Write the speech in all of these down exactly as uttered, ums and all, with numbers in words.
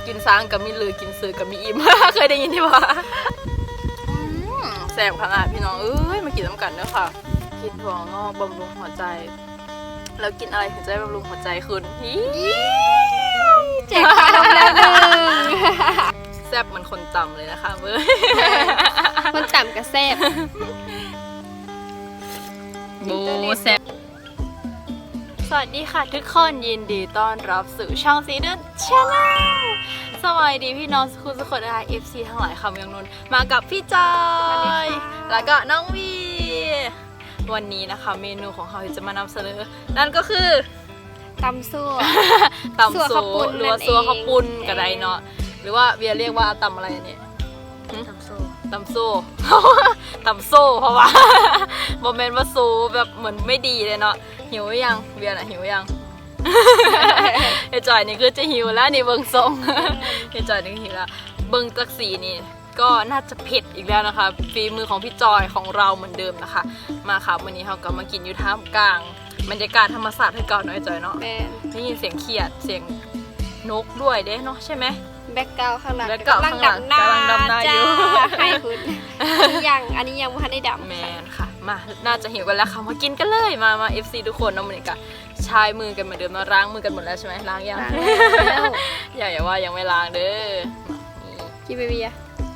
กินซ้างกับมีลือกินซื้อกับมีอิ่ม เคยได้ยินที่ว่าแสบขนาดพี่น้องเอ้ยมากินน้ำกันเด้อค่ะกินถั่วงอกบำรุงหัวใจแล้วกินอะไรถึงจะบำรุงหัวใจคุณแจกขนมแล้วหนึ่งแซ่บเหมือนคนต่ำเลยนะคะเว้ยคนต่ำกับแซ่บบูแซ่บสวัสดีค่ะทุกคนยินดีต้อนรับสู่ช่องซีเดนชาแนลสวัสดีพี่น้องคุณสุขคนนะคะ เอฟ ซี ทั้งหลายคำเมืองนนท์มากับพี่จอยแล้วก็น้องวีวันนี้นะคะเมนูของเขาที่จะมานำเสนอนั่นก็คือตำซั่วตำซั่วหรือว่าซั่วข้าวปุ้นกระไดเนาะหรือว่าเบียเรียกว่าตำอะไรเนี่ยตำโซ่ตำโซ่ตำโซ่เพราะว่าโมเมนต์ว่าโซ่แบบเหมือนไม่ดีเลยเนาะหิวยังเบียร์น่ะหิวยังไอ้จอยนี่คือจะหิวแล้วนี่เบิ้งทรงไอ้จอยนี่หิวแล้วเบิ้งจักสีนี่ก็น่าจะเผ็ดอีกแล้วนะคะฝีมือของพี่จอยของเราเหมือนเดิมนะคะมาค่ะวันนี้เราก็มากินอยู่ท่ามกลางบรรยากาศธรรมศาสตร์ให้เก่าหน่อยจอยเนาะได้ยินเสียงเขียดเสียงนกด้วยเด้เนาะใช่ไหมแบ็กกราวข้างหลังกำลังดำหน้ากำลังดำหน้าอยู่ให้คุณยังอันนี้ยังไม่ทันได้ดำแมนค่ะมาน่าจะหิวกันแล้วค่ะมากินกันเลยมามา เอฟ ซี ทุกคนน้องมันนี่กะชายมือกันเหมือนเดิมมาล้างมือกันหมดแล้วใช่ไหมล้างยังอย่าอย่าว่ายังไม่ล้างเด้อกินเบียร์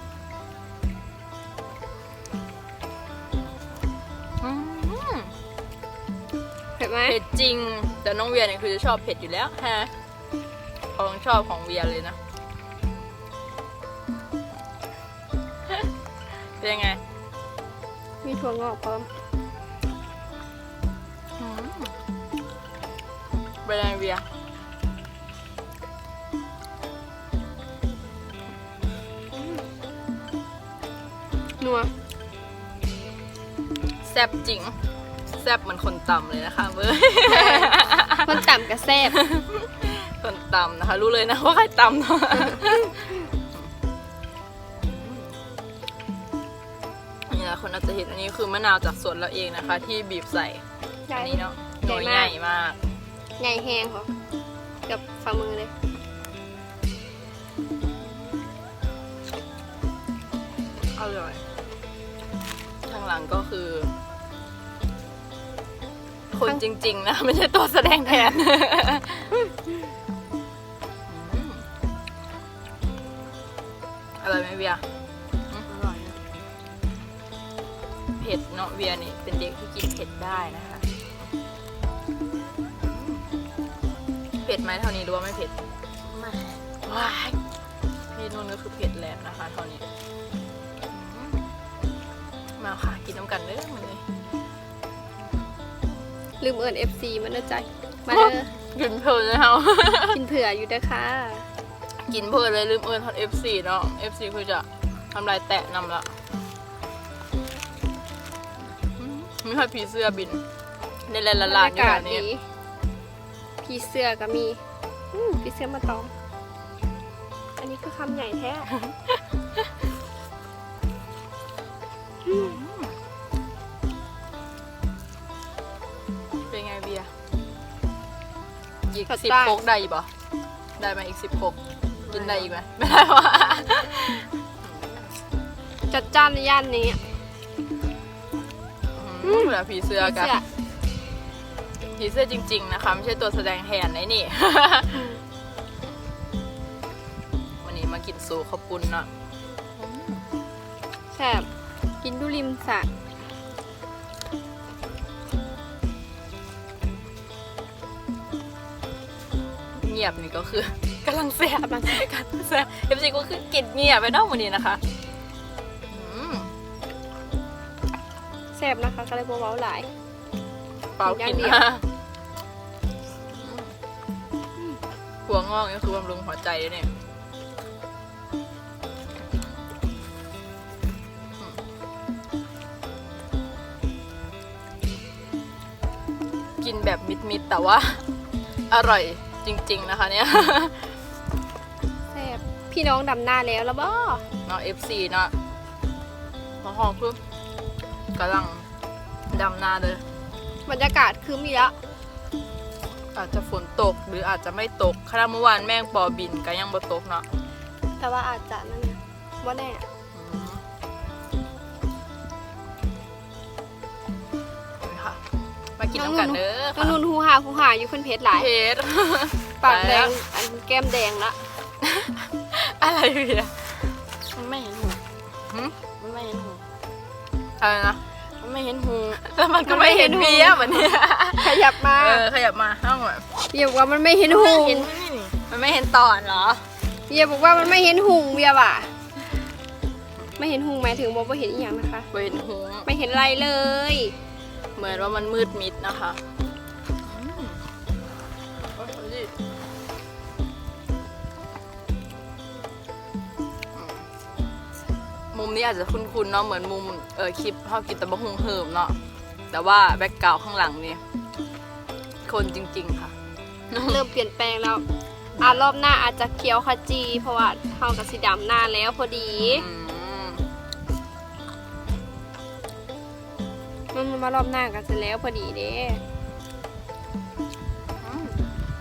เผ็ดไหมเผ็ดจริงแต่น้องเวียเนี่ยคือจะชอบเผ็ดอยู่แล้วฮะของชอบของเวียเลยนะเป็นยังไงมีถั่วงอกพร้อมเป็นยังไงเวียนัวแซ่บจริงแซ่บเหมือนคนต่ำเลยนะคะเว้ยคนต่ำกับแซ่บคนต่ำนะคะรู้เลยนะว่าใครต่ำเนาะนี่นะคนอาจจะเห็นอันนี้คือมะนาวจากสวนเราเองนะคะที่บีบใส่อันนี้เนาะหน่วยใหญ่มากใหญ่แห้งเหรอกับฝ่ามือเลยอร่อยข้างหลังก็คือคนจริงๆนะไม่ใช่ตัวแสดงแทนอร่อยไหมเวียอร่อยเผ็ดเนาะเวียนี่เป็นเด็กที่กินเผ็ดได้นะคะเผ็ดไหมเท่านี้รู้ว่าไม่เผ็ดไม่ว้ายนี่นู่นก็คือเผ็ดแล้วนะคะเท่านี้มาค่ะกินน้ำกันเด้อมันเลยลืมเอิญ เอฟ ซี มันน่าใจมาเด้อกินเพลินเลยค่ะกินเผื่ออยู่ด้วยค่ะกินเพลินเลยลืมเอิญทอด เอฟ ซี เนาะ เอฟ ซี คือจะทำลายแตะนำละมีทอดผีเสื้อบินในแลนละลานอยู่แบบนี้ผีเสื้อก็มีผีเสื้อมาตอมอันนี้คือคำใหญ่แท้เป็นไงเบียร์อีกสิบโคกได้ป่ะได้ไหมอีกสิบโคกกินได้อีกไหมไม่ได้ว่ะจัดจ้านในย่านนี้เหลือผีเสื้อกันผีเสื้อจริงๆนะคะไม่ใช่ตัวแสดงแทนนะนี่วันนี้มากินซูข้าวปุ้นเนาะแซ่บกินดูริมสระเงียบนี่ก็คือกำลังแซ่บกำลังแซ่บกันแซ่บเอฟซีก็คือกินเงียบไปนอกวันนี้นะคะแซ่บนะคะก็เลยบัวเบาหลายเปล่ากินนะหัวงอกนี่คือบำรุงหัวใจเลยเนี่ยกินแบบมิดๆแต่ว่าอร่อยจริงๆนะคะเนี่ยแซ่บพี่น้องดำหน้าแล้วแล้วบ่เนาะ เอฟ ซี เนาะมาห้องคือกำลังดำหน้าเลยบรรยากาศคือมีละอาจจะฝนตกหรืออาจจะไม่ตกขณะเมื่อวานแม่งปอบินก็ยังบ่ตกเนาะแต่ว่าอาจจะนั่นไงว่าแน่อืมนี่ค่ะมากินน้ำกันเด้อน้อค่ะงนุ่นหูหาหูหาอยู่เพิ่นเพชรหลายเพชรปากแดงอันแก้มแดงละอะไรเนี่ยมันไม่เห็นหูหึมันไม่เห็นหูอะไรนะมันไม่เห็นหูแล้วมันก็ไม่เห็นเบียร์เหมือนเนี่ยขยับมาเออขยับมาห้องแบบเบียบอกว่ามันไม่เห็นหุงเห็นไหมนี่มันไม่เห็นตอนเหรอเบียบอกว่ามันไม่เห็นหุงเบียว่ะไม่เห็นหุงหมายถึงบอกว่าเห็นอีกอย่างนะคะเวนหงไม่เห็นอะไรเลยเหมือนว่ามันมืดมิดนะคะอืมโอ้ยดูดิมุมนี้อาจจะคุ้นๆเนาะเหมือนมุมเออคลิปเขากินตะบะฮุงเหิมเนาะแต่ว่าแบ็กกราวข้างหลังนี่คนจริงๆค่ะเริ่มเปลี่ยนแปลงแล้วอ่ารอบหน้าอาจจะเขียวขจี เพราะว่าเท่ากับสีดำหน้าแล้วพอดีอืมมันมารอบหน้ากันเสร็จแล้วพอดีเด้อืม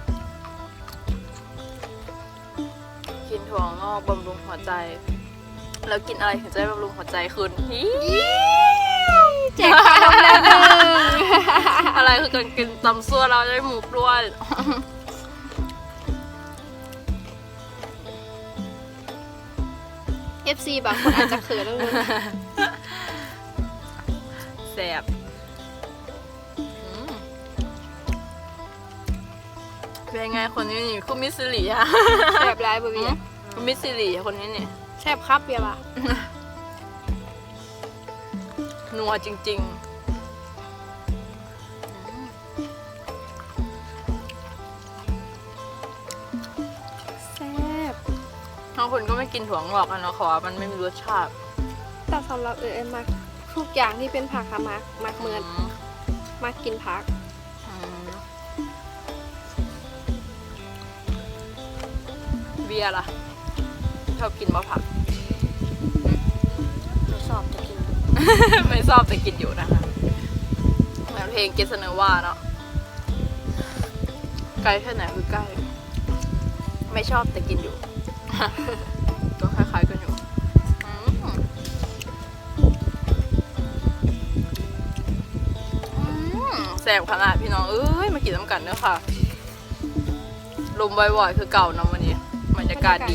กินถั่วงอกบำรุงหัวใจ แล้วกินอะไรถึงจะได้บำรุงหัวใจคุณฮีแจกขนมแล้วหนึ่งอะไรคือการกินตำซั่วเราจะได้หมูกด้วยเอฟซีบางคนอาจจะเขินแล้วนึงแสบอืมเป็นไงคนนี้นี่คุณมิสซิลีอะแสบร้ายบ่เบียคุณมิสซิลีอะคนนี้นี่แสบครับเบียว่ะนัวจริงๆแสบบางคนก็ไม่กินถั่วงอกกันเนาะขอว่ามันไม่มีรสชาติแต่สำหรับเออเอ็มมักทุกอย่างที่เป็นผักค่ะมักมักเหมือนมักกินผักอืมเบียร์ล่ะ ชอบกินมะผักไม่ชอบจะกินไม่ชอบแต่กินอยู่นะคะเหมือนเพลงเกสเนว่าเนาะใกล้แค่ไหนคือใกล้ ไม่ชอบแต่กินอยู่ ก็คล้ายๆกันอยู่อืมอืมแสบขนาดพี่น้องเอ้ยมากินน้ำกันเด้อค่ะ ลมบ่อยๆคือเก่าเนาะวันนี้บรรยากาศดี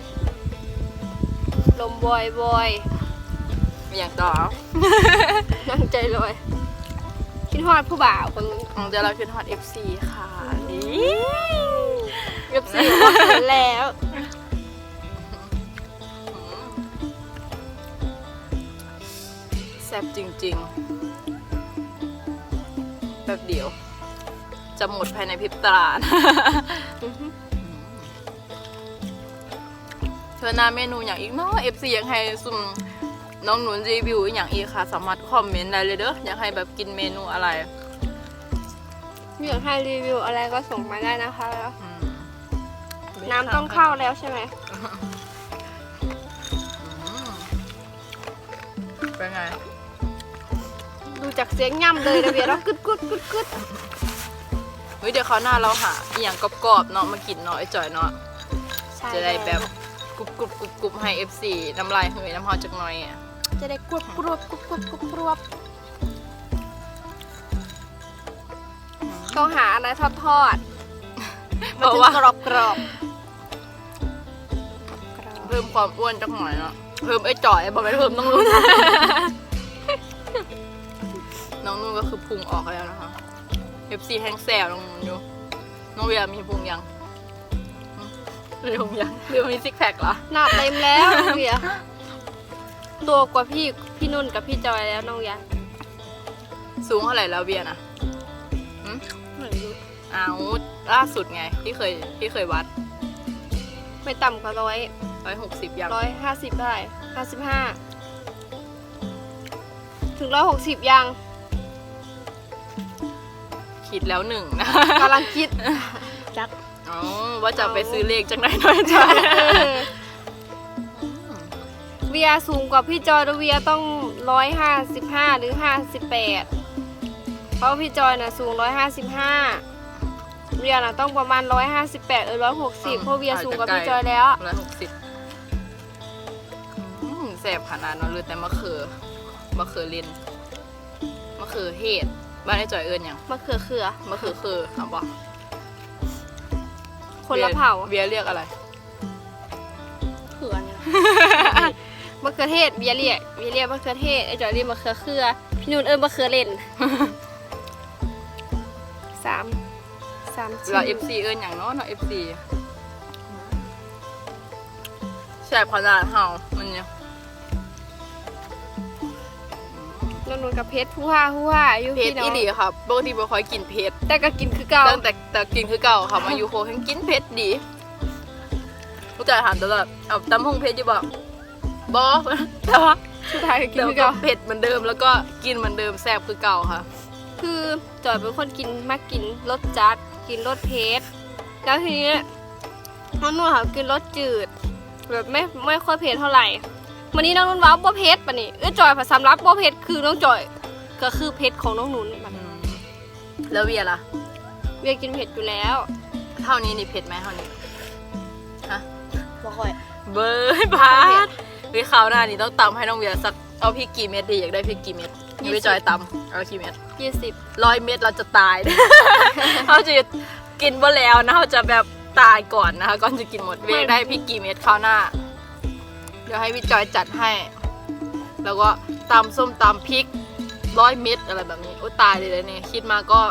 ลมบอยบอยมีอย่างต่อนั่งใจลอยคิดฮอดผู้บ่าวคนนึงของเดี๋ยวเราขึ้นฮอต เอฟ ซี ค่ะนี่เอฟซีบอกว่าเขินแล้วแซ่บจริงๆ แบบเดียว จะหมดภายในพริบตานะอือฮึเธอหน้าเมนูอย่างอีกเนาะ เอฟ ซี อยากให้ซุ่มน้องหนุนรีวิวอย่างอีกค่ะ สามารถคอมเมนต์ได้เลยเด้ออยากให้แบบกินเมนูอะไรอยากให้รีวิวอะไรก็ส่งมาได้นะคะแล้วอืมน้ำต้องเข้าแล้วใช่ไหมอืมเป็นไงดูจากเสียงย่ำเลยนะเบียร์แล้วกึดกึดกึดกึดเฮ้ยเดี๋ยวเขาวหน้าเราหาอหย่างกรอบๆเนาะมากินเนาะไอ้จอยเนาะใช่จะได้แบบกรุบกรุบกรุบกรุบให้ เอฟ ซี น้ำลายเหยน้ำหอมจักหน่อยอ่ะจะได้กรุบกรวบกรุบกรุบกรุบกรวบต้องหาอะไรทอดทอดเพราะว่ากรอบกรอบเพิ่มความอ้วนจักหน่อยเนาะเพิ่มไอ้จ่อยบอกไม่เพิ่มน้องนุ่น น้องนุ่นก็คือพุงออกแล้วนะคะ เอฟ ซี แห้งแซวน้องนุ่นอยู่น้องเวียมีพุงยังหึมีพุงยังหรือมีซิกแพคเหรอหนาเต็มแล้วน้องเบียร์ตัวกว่าพี่พี่นุ่นกับพี่จอยแล้วน้องยาสูงเท่าไหร่แล้วเวียนะหึไม่รู้อ้าวล่าสุดไงที่เคยที่เคยวัดไม่ต่ำกว่าร้อยร้อยหกสิบยังร้อยห้าสิบได้ห้าสิบห้าถึงร้อยหกสิบยังคิดแล้วหนึ่งนะกำลังคิดจักอ๋อว่าจะไปซื้อเลขจังไหนหน่อยจ้ะเวียสูงกว่าพี่จอยแล้วเวียต้องร้อยห้าสิบห้าหรือห้าสิบแปดเพราะพี่จอยน่ะสูงร้อยห้าสิบห้าเวียน่ะต้องประมาณร้อยห้าสิบแปดเออร้อยหกสิบเพราะเวียสูงกว่าพี่จอยแล้วร้อยหกสิบแสบขนาดนั้นเลยแต่มะเขือมะเขือเลนมะเขือเห็ดบ้านไอ้จอยเอิญยังมะเขือเขือมะเขือคือเอาบอกคนละเผ่าเบียร์เรียกอะไรเขือเนี่ยมะเขือเทศเบียเรียกเบียเรียกมะเขือเทศไอ้จอยเรียกมะเขือเขือพี่นุ่นเอิญมะเขือเล่นสามสามเราเอฟซีเอิญอย่างเน้อยเนาะเอฟซีแสบขนาดเห่ามันเนี่ยน้องนุ่นกับเพชรผู้ห้าผู้ห้าอยู่เผ็ดพี่น้ออีงหลีค่ะปกติบ่ค่อยกินเผ็ดแต่ก็กินคือเก่าตั้งแต่แต่กินคือเก่าค่ะมาอยู่โคทั้งกินเผ็ดดีลูกจ่ายถามตลอดเอาตำหงเผ็ดอยู่บ่บ่แต่ว่าสุดท้ายก็กินเดี๋ยวคือก็เก่าเผ็ดเหมือนเดิมแล้วก็กินเหมือนเดิมแซ่บคือเก่าค่ะคือจอยเป็นคนกินมากกินรสจัดกินรสเผ็ดแล้วทีนี้น้องนุ่นค่ะกินรสจืดแบบไม่ไม่ค่อยเผ็ดเท่าไหร่วันนี้น้องนุ่นว้าวบ่เผ็ดปะนี่เอ้ยจอยผสมรับบ่เผ็ดคือน้องจอยก็คือเผ็ดของน้องนุ่นบัดอืมแล้วเวียล่ะเวียกินเผ็ดอยู่แล้วเท่านี้นี่เผ็ดไหมเท่านี้ฮะบ่ค่อยเบอร์บาสวิคราวหน้านี่ต้องตำให้น้องเวียสักเอาพริกกี่เม็ดดีอยากได้พริกกี่เม็ดยังไม่จอยตำเอากี่เม็ดยี่สิบร้อยเม็ดเราจะตาย เขาจะกินบ่แล้วนะเขาจะแบบตายก่อนนะคะก่อนจะกินหมดเวียได้พริกกี่เม็ดคราวหน้า เดี๋ยวให้พี่จอยจัดให้ แล้วก็ตำส้มตำพริกร้อยเม็ดอะไรแบบนี้โอ้ตายเลยเลยเนี่ยคิดมาก็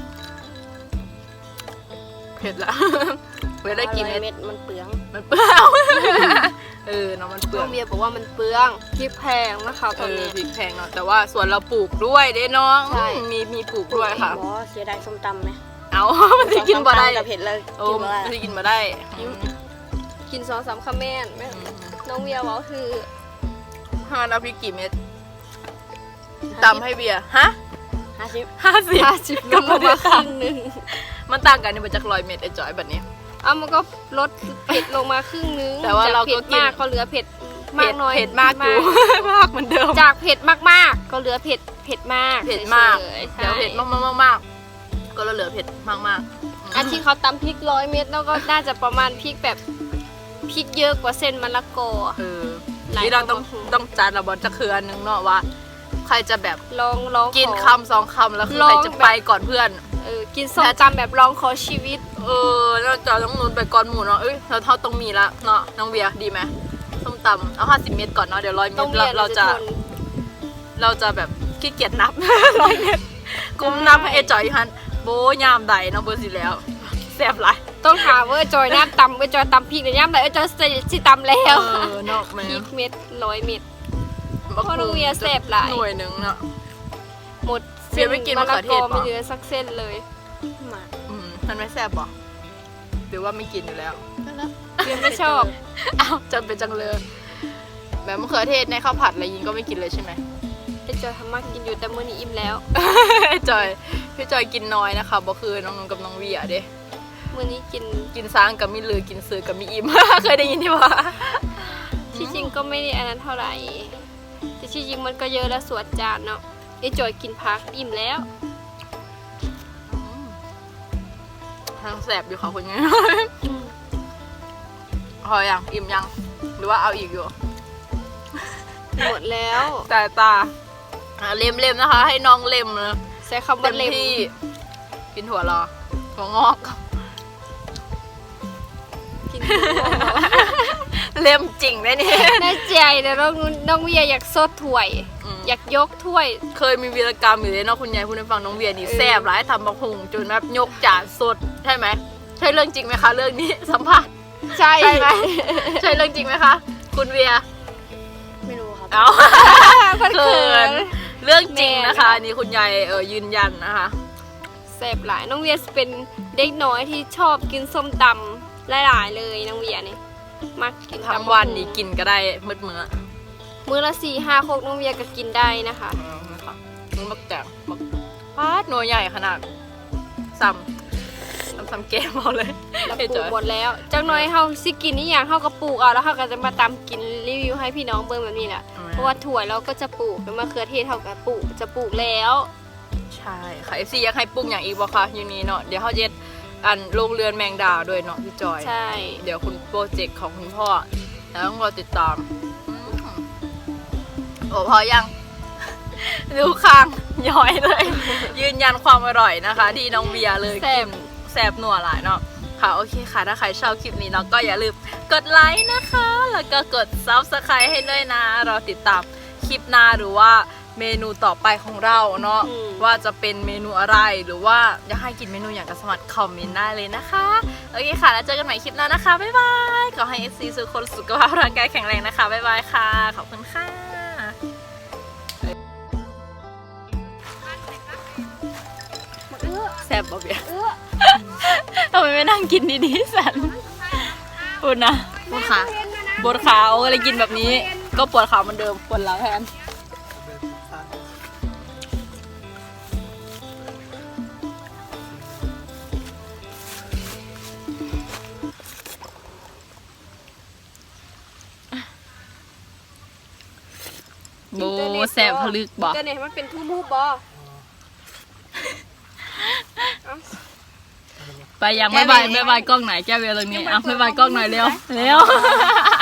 เผ็ดละ เวียได้กี่เม็ดเม็ดมันเปลืองมันเปลือง เออเนาะมันเปลืน้ออง งเวียบอกว่ามันเปลืองพริกแพงนะคะตเออนอนี้พริกแพงเนาะแต่ว่าส่วนเราปลูกด้วยเด้น้องใช่มีมีปลูกด้วยค่ะบ่เสียดายส้มตำไหมเอา มันจะกินบ่ได้กับเผ็ดเลยโอ้กินบ่มันได้จะกินบ่ได้อืมกินสองสามคำแม่นแม่น้องเวียบอกคือห้าเอาพริกกี่เม็ดตำให้เบียร์ฮะห้าสิบห้าสิบห้าสิบลดลงมาครึ่งหนึงมันต่างกันในมาจากร้อยเม็ดไอ้จอยแบบนี้เอามันก็ลดเผ็ดลงมาครึ่งนึงแต่ว่าเราก็จเผ็ดกินมากก็เหลือเผ็ดมากน้อยเผ็ดมากอยู่ มากเหมือนเดิมจากเผ็ดมากๆ ก็เหลือเผ็ดเผ็ดมากเผ็ดมากฉยๆเดี๋ยวเผ็ดมากมากมากมากก็เหลือเผ็ดมากมากอันที่เขาตำพริกร้อยเม็ดแล้วก็น่าจะประมาณพริกแบบพริกเยอะกว่าเส้นมะละกอเออหลายนี่เราต้องคนก็ต้องจัดระบอจะคืออันนึงเนาะว่า ใครจะแบบลองลองกินขอคำสองคำแล้วคือลองใครจะไปก่อนเพื่อนเออกินส้มตำแบบลองขอชีวิตเออเราจะต้องนุนไปก่อนหมูเนาะเอ้ยเราเท่าต้องมีละเนาะน้องเบียร์ดีไหมส้มตำเอาห้าสิบเม็ดก่อนเนาะเดี๋ยวร้อยเม็ต้อดงมีเราอะไรเราจะทนเราจะแบบขี้เกียจนับ ร้อยเม็ดกุมนับให้เอจอยฮันโบยามใดเนาะเบอร์สิแล้วแซ่บหลายต้องถามว่าจอยน้ำตำว่าจอยตำพริกหรือย่ำไหนว่าจอยสิตำแล้วเออเนาะแม่พริกเม็ดร้อยเม็ดบักเพราะน้องเวียแซ่บหลายหน่วยหนึ่งเนาะหมดเวียไม่กินมะเขือเทศมะละกอปะไม่เหลือสักเส้นเลยมาอืมมันไม่แซ่บหรอหรือว่าไม่กินอยู่แล้วเวียไม่ชอบอ้าวจำเป็นจังเลยแบบมะเขือเทศในข้าวผัดอะไรยิงก็ไม่กินเลยใช่ไหมไอจอยทำมากกินอยู่แต่มื้อนี้อิ่มแล้วจอยพี่จอยกินน้อยนะคะบ่คือน้องๆกับน้องเวียเด้มื้อนี้กินกินซ้างกับมีลือกินซื้อกับมีอิ่ม เคยได้ยินที่ว่าที่จริงก็ไม่ได้อันนั้นเท่าไหร่แต่ที่จริงมันก็เยอะแล้วสวดจานเนาะไอจอยกินพักอิ่มแล้วทางแสบอยู่ค่ะคุณเนี่ย พอยังอิ่มยังหรือว่าเอาอีกอยู่หมดแล้วตาตาอ่ะเล็มเล็มๆนะคะ ให้น้องเล็มนะใช้คำเต็ว่าม เล็มที่กินถั่วรอถั่วงอกกินหัวเราะเล็มจริงได้เนี่ยแน่ใจนะน้องนุ่นน้องเวียอยากซดถ้วยมอยากยกถ้วยเคยมีวีรกรรมอยู่เลยเนาะคุณยายพูดให้ฟังน้องเวียนี่เออแซ่บร้ายทำบักหุงจนแบบยกจานสดใช่ไหมใช่เรื่องจริงไหมคะเรื่องนี้ สัมภาษณ์ใช่ใช่ไหม ใช่เรื่องจริงไหมคะ คุณเวียไม่รู้ครับเอาเขินเขินเรื่องจริงนะคะแม่นะคะนี่คุณยายเออยืนยันนะคะแซ่บหลายน้องเวียเป็นเด็กน้อยที่ชอบกินส้มตำหลายๆเลยน้องเวียนี่มักกินทั้งตำวันนี่กินก็ได้มืดมื้อมื้อละสี่ห้าโคกน้องเวียก็กินได้นะคะอืมนะคะมันบักแจงบักพาดหน่วยใหญ่ขนาดซ้ำซ้ำซ้ำแก้มเอาเลยแล้วเฮ้ยปลูจกอยหมดแล้วจังน้อยเฮาสิกินนี่อย่างเฮาก็ปลูกเอาแล้วเฮาก็จะมาตำกินรีวิวให้พี่น้องเบิ่งแบบนี้แหละเพราะว่าถั่วเราก็จะปลูกเป็นมะเขือเทศเฮาก็ปลูกจะปลูกแล้วใช่ค่ะ เอฟ ซี อยากให้ปรุงอย่างอีกบ่คะอยู่นี้เนาะเดี๋ยวเขาเย็ดอันโรงเรือนแมงดาด้วยเนาะพี่จอยใช่เดี๋ยวคุณโปรเจกต์ของคุณพ่อแล้วต้องรอติดตามอืมโอ้พอยัง ดูข้างย้อยเลย ยืนยันความอร่อยนะคะ ที่น้องเบียร์เลยแซ่บกินแซ่บนัวหลายเนาะค่ะโอเคค่ะถ้าใครชอบคลิปนี้เนาะก็อย่าลืมกดไลค์นะคะ แล้วก็กด ซับสไครบ์ ให้ด้วยนะรอติดตามคลิปหน้าหรือว่าเมนูต่อไปของเราเนาะอืมว่าจะเป็นเมนูอะไรหรือว่าอยากให้กินเมนูอย่างก็สามารถคอมเมนต์ได้เลยนะคะโอเคค่ะแล้วเจอกันใหม่คลิปหน้านะคะบ๊ายบายขอให้ เอฟ ซี ทุกคนสุขภาพร่างกายแข็งแรงนะคะบ๊ายบายค่ะขอบคุณค่ะแซ่บบ่เบียร์ทำไมไม่นั่งกินดีๆสันพูดนะปวดขาปวดขาอะไรกินแบบนี้ ก็ปวดขาเหมือนเดิมปวดหลังแทนโบแสบผลึกบ่เจเน็ตมันเป็นทูมูบอไปยังไม่บายไม่บายกล้องไหนแก้วเวลตรงนี้อ่ะไม่บายกล้องหน่อยเร็วเร็ว